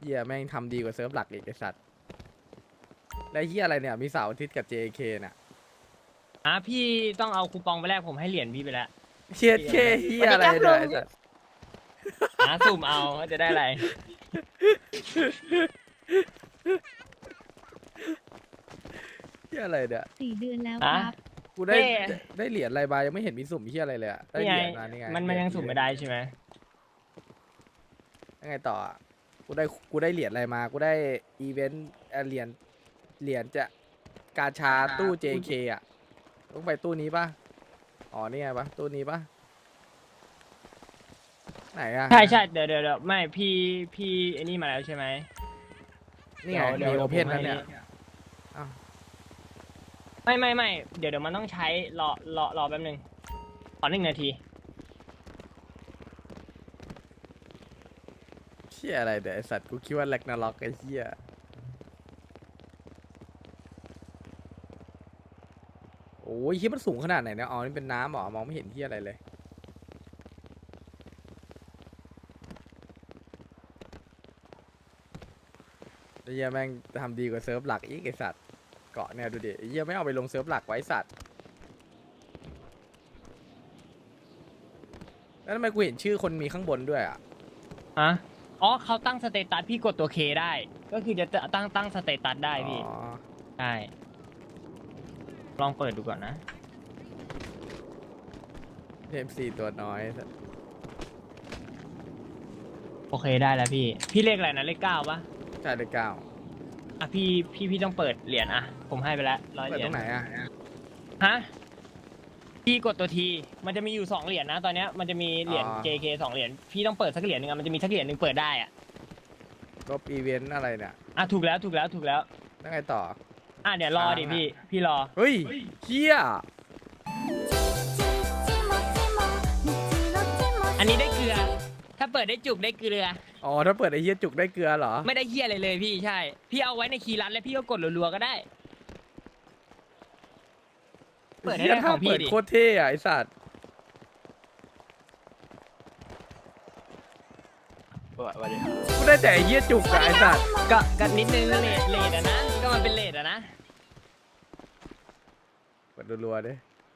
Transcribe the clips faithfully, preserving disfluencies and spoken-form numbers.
เฮียแม่งทำดีกว่าเซิร์ฟหลักอีกไอสัตว์แล้วเฮียอะไรเนี่ยมีเสาร์อาทิตย์กับ เจ เค น่ะอ่ะพี่ต้องเอาคูปองไปแลกผมให้เหรียญพี่ไปแล้วเชียเคเฮียอะไรเนี่ยไอ้สัตว์หาสุ่มเอาว่าจะได้อะไรเฮียอะไรเนี่ยสี่เดือนแล้วอ่ะครับกูได้เท่ได้เหรียญอะไรมายังไม่เห็นมีสุ่มเฮียอะไรเลยอะได้นี่เหไงรียญมานี่ไงมันมันยังสุ่มไม่ได้ใช่ไหมยังไงต่ออะกูได้กูได้เหรียญอะไรมากูได้อีเวนต์เอ่อเหรียญเหรียญจะกาชาตู้ เจ เค อ่ะต้องไปตู้นี้ป่ะอ๋อนี่ไงปะตู้นี้ป่ะไหนอะใช่ใช่เดี๋ยวเดี๋ยวเดี๋ยวไม่พี่พี่ไอ้นี่มาแล้วใช่ไหมนี่ไงเดี๋ยวมีเดี๋โอยวเพนผมแล้วให้เนี่ยอ้าวไม่ไม่ไม่เดี๋ยวเดี๋ยวมันต้องใช้รอรอรอแป๊บนึงขอหนึ่งนาทีเชี่ยอะไรเดี๋ยวไอสัตว์กูคิดว่าแลกนาล็อกไอ้เชี่ยโอ้ยคิดมันสูงขนาดไหนเนี่ยอ๋อนี่เป็นน้ำเหรอมองไม่เห็นที่อะไรเลยไอ้เหี้ยแม่งทำดีกว่าเซิร์ฟหลักอีกไอสัตว์เกาะเนี่ยดูดิไอ้เหี้ยไม่เอาไปลงเซิร์ฟหลักไว้สัตว์แล้วทำไมกูเห็นชื่อคนมีข้างบนด้วยอ่ะฮะอ๋อเขาตั้งสเตตัสพี่กดตัวเคได้ ก็คือจะตั้งตั้งสเตตัสได้พี่อ๋อใช่ลองเปิดดูก่อนนะเอ็มซีตัวน้อยโอเคได้แล้วพี่ พี่เลขอะไรนะเลขเก้าปะใช่เลยเก้าอ่ะพี่พี่พี่ต้องเปิดเหรียญอ่ะผมให้ไปแล้วร้อยเปิเหดรียตญรงไหนอ่ะฮะพี่กดตัวทีมันจะมีอยู่สองเหรียญนะตอนเนี้ยมันจะมีเหรียญอ๋อเจ เค สองเหรียญพี่ต้องเปิดสักเหรียญหนึงอะมันจะมีสักเหรียญหนึ่งเปิดได้อ่ะลบอีเวนต์อะไรเนี่ยอ่ะถูกแล้วถูกแล้วถูกแล้วแล้วไงต่ออ่ะเดี๋ยวรอดิค้างอะพี่พี่รอเฮ้ยเฮียอันนี้ได้เกลือ ถ้าเปิดได้จุกได้เกลืออ๋อถ้าเปิดไอ้เฮียจุกได้เกลือเหรอไม่ได้เฮียอะไรเลยพี่ใช่ พี่เอาไว้ในคีย์รัดแล้วพี่ก็กดรัวๆก็ได้ เปิดให้เฮียได้ถ้าของพี่เปิดดิโคตรเท่อะไอสัตว์สวัสดีครับกูได้แต่ไอ้เฮียจุกอะไอสัตว์ก็ก็นิดนึงเลทเลทอะนะก็มันเป็นเลทอะนะเปิดรัวๆดิ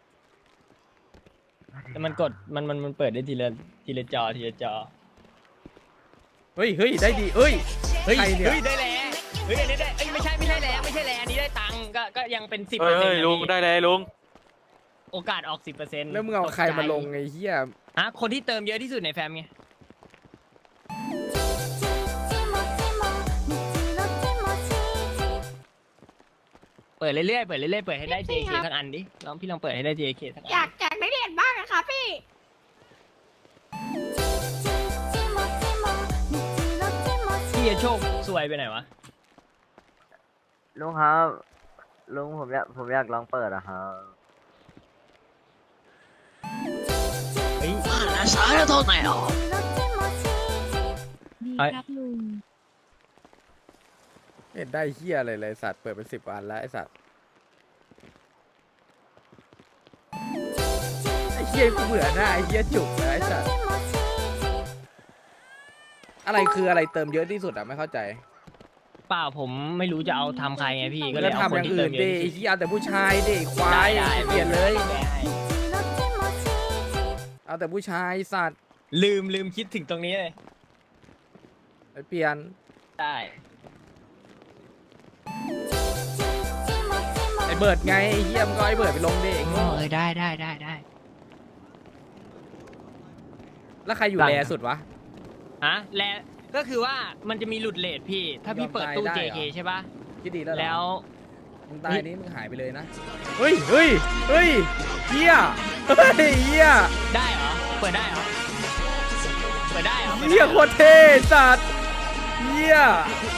แต่มันกดมันมันมันเปิดได้ทีละทีละจอทีละจอเฮ้ยเฮ้ยได้ดีเอ้ยเฮ้ยใครเนี่ยเฮ้ยได้แล้วเฮ้ยอันนี้ได้เอ้ยไม่ใช่ไม่ใช่แล้วไม่ใช่แล้วอันนี้ได้ตังค์ก็ก็ยังเป็นสิบเฮ้เปอร์เซ็นยต์ลุงได้เลยลุงโอกาสออกสิบเปอร์เซ็นต์แล้วมึงเอาใครมาลงไอ้เฮียอ่ะคนที่เติมเยอะที่สุดในแฟมไงเปิดเรื่อยๆเปิดเรื่อยๆเปิดให้ได้ เจ เค สักอันดิลองพี่ลองเปิดให้ได้ เจ เค สักอันอยากอยากได้เหรียญบ้างอะค่ะพี่พี่จะโชคสวยไปไหนวะลุงครับลุงผมอยากผมอยากลองเปิดอะครับเฮ้ยดีครับลุงเห็นได้เฮียอะไรเลยสัตว์เปิดเป็นสิบอันแล้วไอสัตว์ไอเฮียกูเบื่อหน้าไอเฮียจุกนะไอสัตว์อะไรคืออะไรเติมเยอะที่สุดอะไม่เข้าใจเปล่าผมไม่รู้จะเอาทำใครไงพี่ก็ก็เลยเอาทำคอน ย่างที่เติอื่มนเยอะดิที่ไอ้สุดเฮียเอาแต่ผู้ชายดิควาได้ยได้เปลี่ยนเลยได้เอาแต่ผู้ชายสัตว์ลืมลืมคิดถึงตรงนี้เลยไปเปลี่ยนได้ไอเบิร์ดไงไอ้เฮียมึงก็ไอเบิร์ดไปลงดิไอ้โง่เออได้ได้ได้ได้แล้วใครอยู่ได้แรครับสุดวะฮะและก็คือว่ามันจะมีหลุดเลทพี่ ถ้าพี่เปิดตู้ยอมตายได้เจ เคเหรอใช่ปะคิดดีแล้วเหรอแล้วมึงตายนี้มึงหายไปเลยนะเฮ้ยเฮ้ยเฮ้ยเฮียเฮ้ยเฮียได้เหรอเปิดได้เหรอเปิดได้เหรอปิดเฮียได้โคหรอตรเท่สัตว์เฮีย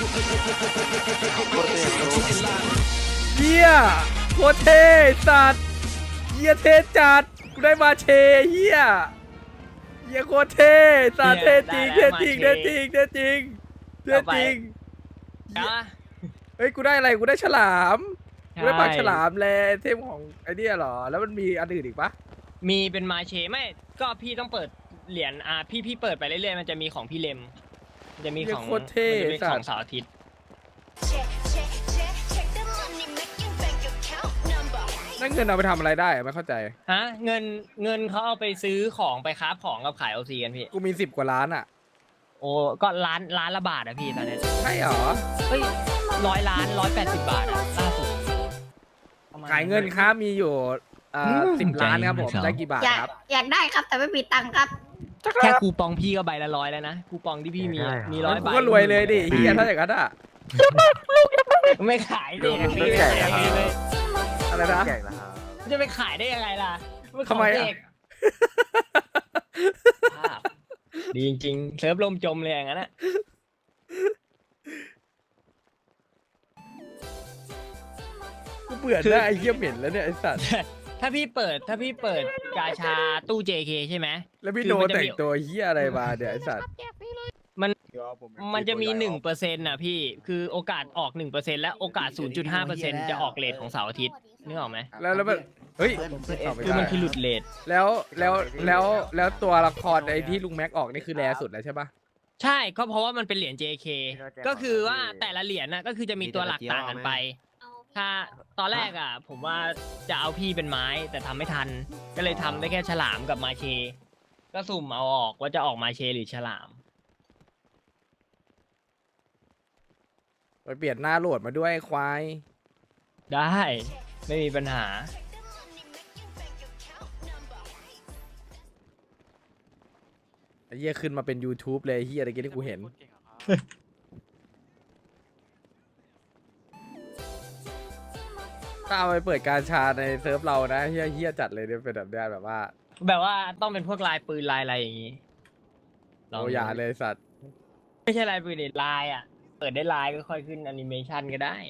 เฮียโคตรเท่สัตว์เฮียเท่จัดกูได้มาเชเฮียเฮียโคตรเท่สัตว์เท่จริงเท่จริงเท่จริงเท่จริงเท่จริงนะเฮ้ยกูได้อะไรกูได้ฉลามกูได้ปากใช่ฉลามแลเทมของไอเดียเหรอแล้วมันมีอันอื่นอีกปะมีเป็นมาเชไม่ก็พี่ต้องเปิดเหรียญอ่ะพี่พี่เปิดไปเรื่อยๆมันจะมีของพี่เลมมันจะมีเหี้ยของโคตรเท่มันจะมีสัขตอว์งเสาร์อาทิตย์นั่นเงินเอาไปทำอะไรได้อะไม่เข้าใจฮะเงินเงินเขาเอาไปซื้อของไปค้าของกับขายโอซีกันพี่กูมีสิบกว่าล้านอ่ะโอ้ก็ล้านล้านละบาทอะพี่ตอนนี้ใช่เหรอเฮ้ยร้อยล้านร้อยแปดสิบบาทอะล่าสุดประมณขายเงินครับมีอยู่เอ่อสิบล้านครับผมใจได้กี่บาทอยากครับอยากได้ครับแต่ไม่มีตังค์ครับแค่คูปองพี่ก็ใบละร้อยแล้วนะคูปองที่พี่มีอะมีร้อยกูใบก็รวยเลยดิเฮียถ้าอย่างนั้นอ่ะไม่ขายดิลุงพี่ไม่ไม่แจกขายเหรอพี่เลยอะไรนะแจกแล้วครับจะไปขายได้ยังไงล่ะนของทำไมอะเด็กภาพดีจริงๆเซิร์ฟลมจมเลยอย่างนั้นอะกูเบื่อหน้าไอ้เหี้ยเหม็นแล้วเนี่ยไอ้สัตว์ถ้าพี่เปิดถ้าพี่เปิดกาชาตู้ เจ เค ใช่ไหมแล้วพี่คือโดมันจะแต่มีงตัวเหี้ยอะไรมาเนี่ยไอ้สัตว์มันจะมีหนึ่งเปอร์เซ็นต์น่ะพี่คือโอกาสออกหนึ่งเปอร์เซ็นต์และโอกาสศูนย์จุดห้าเปอร์เซ็นต์จะออกเลทของเสาร์อาทิตย์นึกออกไหมแล้วแล้วมันเฮ้ยตอบไม่คือมันได้คือหลุดเลทแล้วแล้วแล้วแล้วตัวละครไอ้ที่ลุงแม็กออกนี่คือแรสุดแล้วใช่ปะใช่ก็เพราะว่ามันเป็นเหรียญ เจ เค ก็คือว่าแต่ละเหรียญน่ะก็คือจะมีตัวหลักต่างกันไป ถ้าตอนแรกอ่ะ ผมว่าจะเอาพี่เป็นไม้แต่ทำไม่ทัน ก็เลยทำได้แค่ฉลามกับมาเช ก็สุ่มเอาออกว่าจะออกมาเชหรือฉลามไปเปลี่ยนหน้าโหลดมาด้วยไอ้ควายได้ไม่มีปัญหาไอ้เหี้ยขึ้นมาเป็น YouTube เลยไอ้เหี้ยอะไรกี้ที่กูเห็น ถ้าเอาไปเปิดการชาในเซิร์ฟเรานะเฮี้ยเฮี้ยจัดเลยเนี่ยเป็นแบบเนี้ยแบบว่าแบบว่าต้องเป็นพวกลายปืนลายอะไรอย่างงี้ลงโอ้ดูยาเลยสัตว์ไม่ใช่ลายปืนเด็ดลายอ่ะ เปิดได้ลายก็ค่อยขึ้นแอนิเมชันก็ได้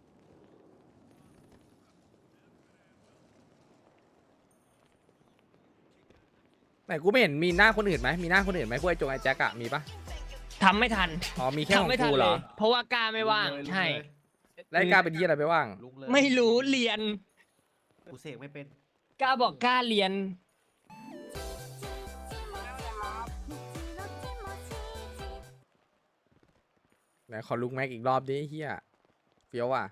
ไหนกูไม่เห็นมีหน้าคนอื่นไหมมีหน้าคนอื่นไหมพวกไอ้จงไอ้แจ็คอะมีปะทำไม่ทันอ๋อมีแค่ขทำองไม่ทักูนเหรเลอยเพราะว่ากล้าไม่ว่าง ใช่แล้วไอ้กล้าเป็นเฮี้ยอะไรไปว่างลุงเลยไม่รู้เรียนกูเสกไม่เป็นกล้าบอกกล้าเรียนไหนขอลุงแม็กอีกรอบดิเฮี้ยเฟี้ยวว่ะ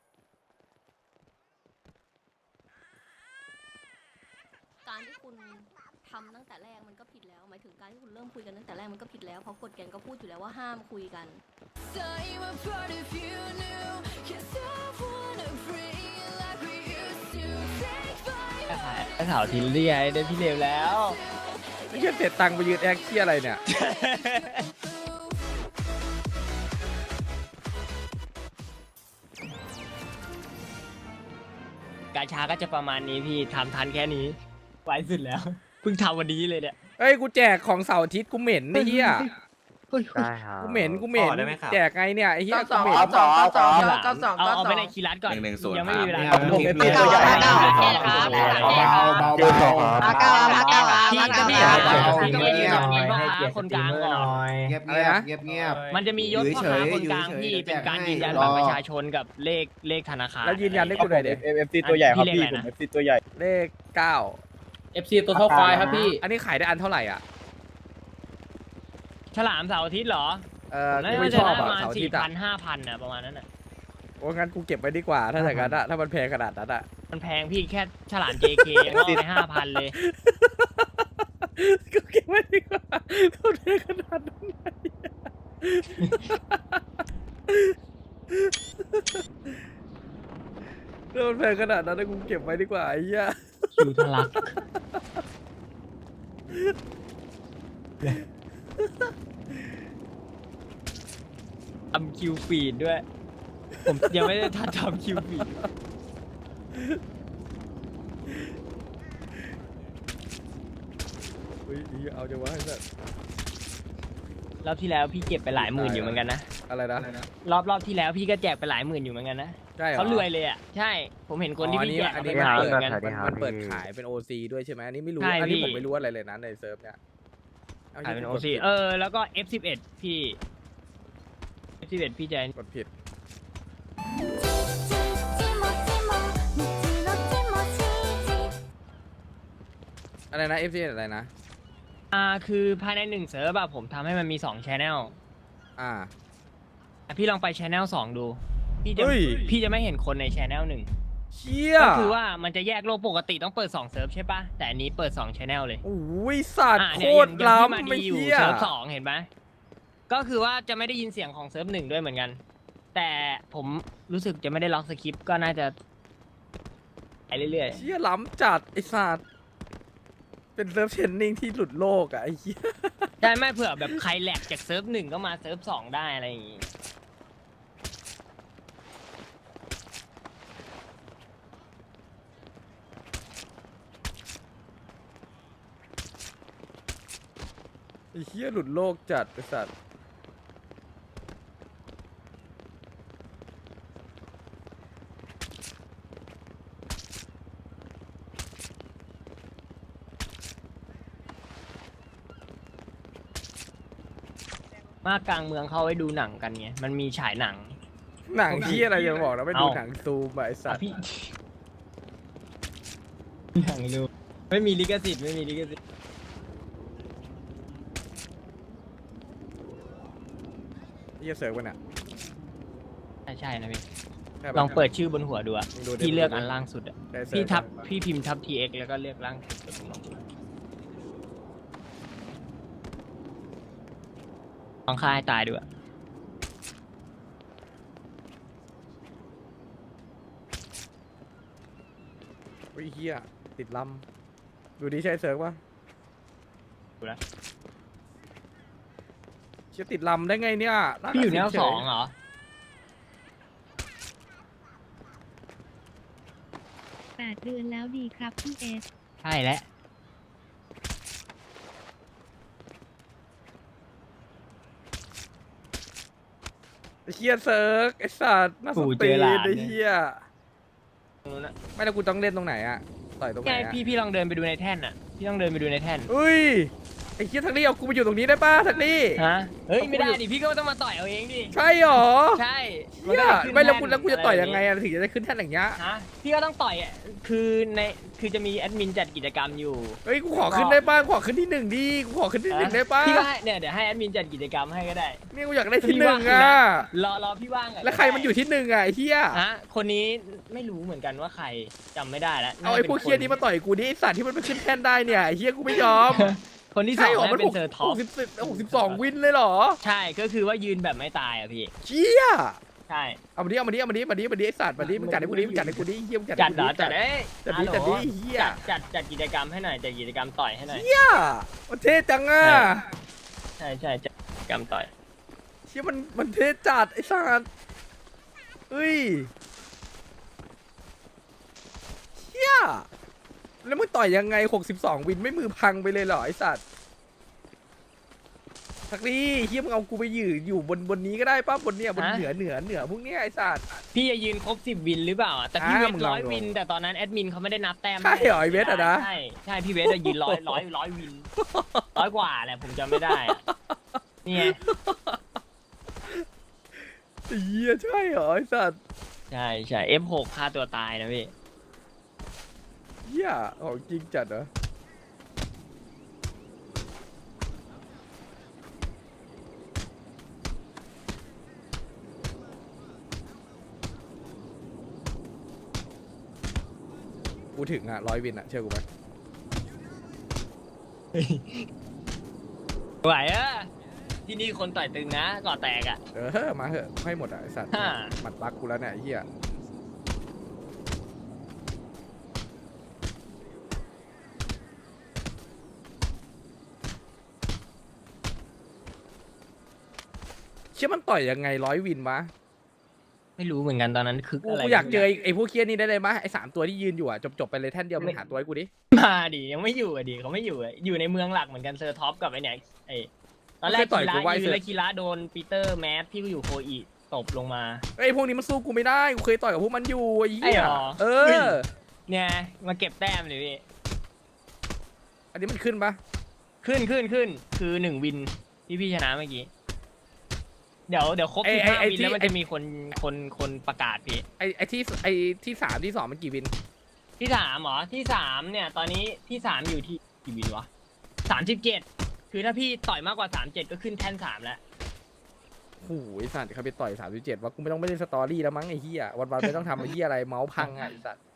การที่คุณทำตั้งแต่แรกมันก็ผิดแล้วหมายถึงการที่คุณเริ่มคุยกันตั้งแต่แรกมันก็ผิดแล้วเพราะกฎเกณฑ์ก็พูดอยู่แล้วว่าห้ามคุยกันไอ้สาวทิลลี่ไอ้ได้พี่เลวแล้วไอ้เฮี้ยเสร็จตังค์ไปยืนแอคเฮี้ยอะไรเนี่ยกาชาก็จะประมาณนี้พี่ทำทันแค่นี้ไวสุดแล้ว เพิ่งทำวันนี้เลยเนี่ยเฮ้ยกูแจกของเสาร์อาทิตย์กูเหม็นไอ้เฮี้ยได้ครับกูเหม็นกูเหม็นต่อได้ไหมครับแจกไงเนี่ยไอ้เฮี้ยสกูองเหม็นสองสองฉลามเก้าสองเอาเก้าเอาสไปองในคีรัสก่อนหนึ่งหนึ่งศูนย์ยังไม่มีเวลาครับผมเป็นเก้าตัวใหญ่เก้านะเก้าครับเก้าเก้ามาเก้ามาเก้าพี่มาก็เก้าพี่มาอ่ะเก้าพี่ก็ไม่ยืนแบบนี้พ่อค้าคนกลางก่อนเงียบอะไรนะเงียบเงียบมันจะมียศพ่อค้าคนกลางที่เป็นการยืนยันบัตรประชาชนกับเลขเลขธนาคารแล้วยืนยันได้กูหน่อยเด็เอฟซีตัวใหญ่ครับพี่พี่เลขอะไรผมนะเอฟซีตัวใหญ่เลขเก้าเอฟซีตัวเท่าควายครับพี่อันนี้ขายได้อันเท่าไหร่อ่ะฉลามเสาร์อาทิตย์เหรอเออน่ากูไม่จะชอบประอ่ะมาณเสาร์อาสี่ทิตย์อ่ะพันห้าพันอ่ะประมาณนั้นอ่ะโอ้งั้นกูเก็บไว้ดีกว่า ถ้าอย่างนั้นอ่ะถ้ามันแพงขนาดนั้นอ่ะมันแพงพี่แค่ฉลาม เจ เค ยังเอาไปห้าพันเลยกูเก็บไว้ดีกว่าถ้ามันแพงขนาดนั้นไงถ้ามันแพงขนาดนั้นนะกูเก็บไว้ดีกว่าไอ้เหี้ยคิวทะลัก ทำคิวฟีดด้วย ผมยังไม่ได้ทันทำคิวฟีดเฮ้ยอีเอาจะว่าให้แบบรอบที่แล้วพี่เก็บไปหลายหมื่นอยู่เหมือนกันนะอะไรนะรอบรอบที่แล้วพี่ก็แจกไปหลายหมื่นอยู่เหมือนกันนะใช่เหรอเขารวยเลยอ่ะ ใช่ ผมเห็นคนที่พี่แจกอันเอานี้ไปอันหนี้ลายมันหมื่เปินดเหมือนกันมันมันเปิดขายเป็น โอ ซี ด้วยใช่ไหมอันนี้ไม่รู้ใช่อันนี้พี่ผมไม่รู้อะไรเลยนะในเซิร์ฟเนี่ยขายเป็นโอซีเออ แล้วก็ เอฟ สิบเอ็ด พี่ เอฟ สิบเอ็ด พี่แจกกดผิดอะไรนะ เอฟ ซี อะไรนะอ่า คือภายในหนึ่งเซิร์ฟอะผมทำให้มันมีสองชแนลอ่าพี่ลองไปชแนลสองดูพี่จะเฮ้ยพี่จะไม่เห็นคนในชแนลหนึ่งเชี่ยก็คือว่ามันจะแยกโลกปกติต้องเปิดสองเซิร์ฟใช่ปะแต่อันนี้เปิดสองชแนลเลยโอ้ยสัตว์อ่ะโคเนี่ยตรอย่างอย่างที่มาล้ำไม่ดีอยู่เชี่ยเซิร์ฟสองเห็นไหมก็คือว่าจะไม่ได้ยินเสียงของเซิร์ฟหนึ่งด้วยเหมือนกัน แต่ผมรู้สึกจะไม่ได้ล็อกสคริปต์ก็น่าจะไปเรื่อยเชี่ยล้ำจัดไอ้สัตว์เป็นเซิร์ฟเชนนิ่งที่หลุดโลกอ่ะไอ้เหี้ยๆได้ไม่เผื่อแบบใครแหลกจากเซิร์ฟหนึ่งก็มาเซิร์ฟสองได้อะไรอย่างงี้ไอ้เหี้ยหลุดโลกจัดไอ้สัตว์มากลางเมืองเขาไว้ดูหนังกันไงมันมีฉายหนังหนังเหี้ยอะไรจะบอกนะไปดูเอ้าหนังซูมอะไอ้สัตว์พี่หนังดูไม่มีลิขสิทธิ์ไม่มีลิขสิทธิ์เหี้ยเสิร์ฟกันอ่ะใช่ใช่นะพี่ใช่ปะลองเปิดชื่อบนหัวดูอะมึงดูดิพี่เลือกอันล่างสุดอะได้เสิร์ฟพี่ทับปะพี่พิมพ์ทับ ที เอ็กซ์ แล้วก็เลือกล่างสุดลองดูลองฆ่าให้ตายดูอะโอ้ยเหี้ยติดลำดูดิใช่เสิร์ฟปะดูนะเชี่ยติดลำได้ไงเนี่ยาพี่อยู่แนวเฉสองเหรอแปดเดือนแล้วดีครับพี่เอสใช่แล้วไอ้เหี้ยเสิร์ฟไอ้สัตว์น่าสนตีนไอ้เหี้ยนู้นอะไม่แล้วกูต้องเล่นตรงไหนอะต่อยตรงไหไงนอะพี่พี่ลองเดินไปดูในแท่นอะพี่ต้องเดินไปดูในแท่นเฮ้ยไอ้เหี้ยทักลี่เอากูไปอยู่ตรงนี้ได้ป่ะทักลี่ฮะเฮ้ยไม่ได้ดิพี่ก็ต้องมาต่อยเอาเองดิใช่หรอใช่เหี้ยนด้ขึ้นไม่แล้วกูท่นแล้วกูจะต่อยยังไงอะรอะถึงจะได้ขึ้นแท่นอย่างเงี้ยฮะพี่ก็ต้องต่อยอะคือในคือจะมีแอดมินจัดกิจกรรมอยู่เฮ้ยกูขอขึ้นได้ป่ะกูขอขึ้นที่หนึ่งดิกูขอขึ้นที่หนึ่งได้ป่ะพี่ก็ให้เนี่ยเดี๋ยวให้แอดมินจัดกิจกรรมให้ก็ได้เนี่ยกูอยากได้ที่หนึ่งอะรอรอพี่ว่างอะแล้วใครมันอยู่ที่หนึ่งอะไอ้เหี้ยฮะคนนี้ไม่รู้เหมือนกันว่าใครจำไม่ได้แล้วเอาไอ้พวกเคียนี้มาต่อยกูดิไอ้สัตว์ที่มันไปขึ้นแท่นได้เนี่ยไอ้เหี้ยกูไม่ยอมคนที่สอใช่งหรอมันเป็หนกเซอร์ท็อปสิบสิบหกสิบสองวินเลยเหรอใช่ก็คือว่ายืนแบบไม่ตายอ่ะพี่เชี่ยใช่เอามาดิเอามาดิเอามาดิมาดิมาดิไอ้สัตว์มาดิมึงจัดให้กูดิมึงจัดให้กูดิเหี้ยมึงจัดจัให้ดกูเหรอดิจัดเอ้ยจัดดิฮัลโหลจัดดิเหี้ยจัดจัดจัดกิจกรรมให้หน่อยจัดกิจกรรมต่อยให้หน่อยเหี้ยมันเท่จังอะใช่ใช่จัดกิจกรรมต่อยเชี่ยมันมันเท่จัดไอ้สัตว์เฮ้ยเชี่ยแล้วมึงต่อยยังไงหกสิบสองวินไม่มือพังไปเลยเหรอไอ้สัตว์ทักลี่เฮียมึงเอากูไปอยู่อยู่บนบนนี้ก็ได้ป้าบนเนี้ยบนเหนือเหนือเหนือพวกเนี้ยไอ้สัตว์พี่จะยืนครบสิบวินหรือเปล่าอะแต่พี่อ่าเวทมึงลองร้อยดูวิน แต่ตอนนั้นแอดมินเขาไม่ได้นับแต้มใช่เหรอไอ้เวทอะนะใช่ใช่พี่เวทจะยืนร้อยร้อยร้อยวินร้อยกว่าแหละผมจำไม่ได้อะนี่ไงเฮียใช่เหรอไอ้สัตว์ใช่ใช่ เอฟ หก ฆ่าตัวตายนะพี่เฮียของจริงจัดเหรอกูถึงอ่ะร้อยวินอ่ะเชื่อกูไหมไหวอะที่นี่คนต่อยตึงนะก่อแตกอะเออมาเหอะให้หมดอ่ะไอ้สัตว์ฮ่าหมัดปักกูแล้วเนี่ยไอ้เฮียเชื่อมันต่อยยังไงร้อยวินวะไม่รู้เหมือนกันตอนนั้นคือกูอะไรกูอยากเจอไอ้ไอ้พวกเคียนี่ได้เลยมะไอ้สามตัวที่ยืนอยู่อ่ะจบจบไปเลยแท่นเดียวมึงหาตัวให้กูดิมาดิยังไม่อยู่อะดิเขาไม่อยู่อะอยู่ในเมืองหลักเหมือนกันเซอร์ท็อปกับไอเนี่ยไอตอนแรกคีระยืนแล้วคีระโดนปีเตอร์แมสพี่ก็อยู่โคอีตบลงมาไอ้พวกนี้มันสู้กูไม่ได้กูเคยต่อยกับพวกมันอยู่ไอ้ไอ้เหี้ยหรอเอเฮ้ยอเนี่ยมาเก็บแต้มเลยพี่อันนี้มันขึ้นปะขึ้นขึ้นขึ้นคือหนึ่งวินที่พี่ชนะเมื่อกี้เดี๋ยวเดี๋ยวครบสิบห้าวินแล้วมันจะมีคนคนคนประกาศพี่ไอ้ไอ้ที่ไอ้ที่สามที่สองมันกี่วินที่สามเหรอที่สามเนี่ยตอนนี้ที่สามอยู่ที่กี่วินวะสามสิบเจ็ดคือถ้าพี่ต่อยมากกว่าสามเจ็ดก็ขึ้นแท่นสามแล้วโอ้ยสัตว์เขาไปต่อยสามสิบเจ็ดว่ากูไม่ต้องไม่เล่นสตอรี่แล้วมั้งไอ้เหี้ยวันๆไม่ต้องทำไอ้เหี้ยอะไรเมาส์พังอ่ะไอ้สัตว์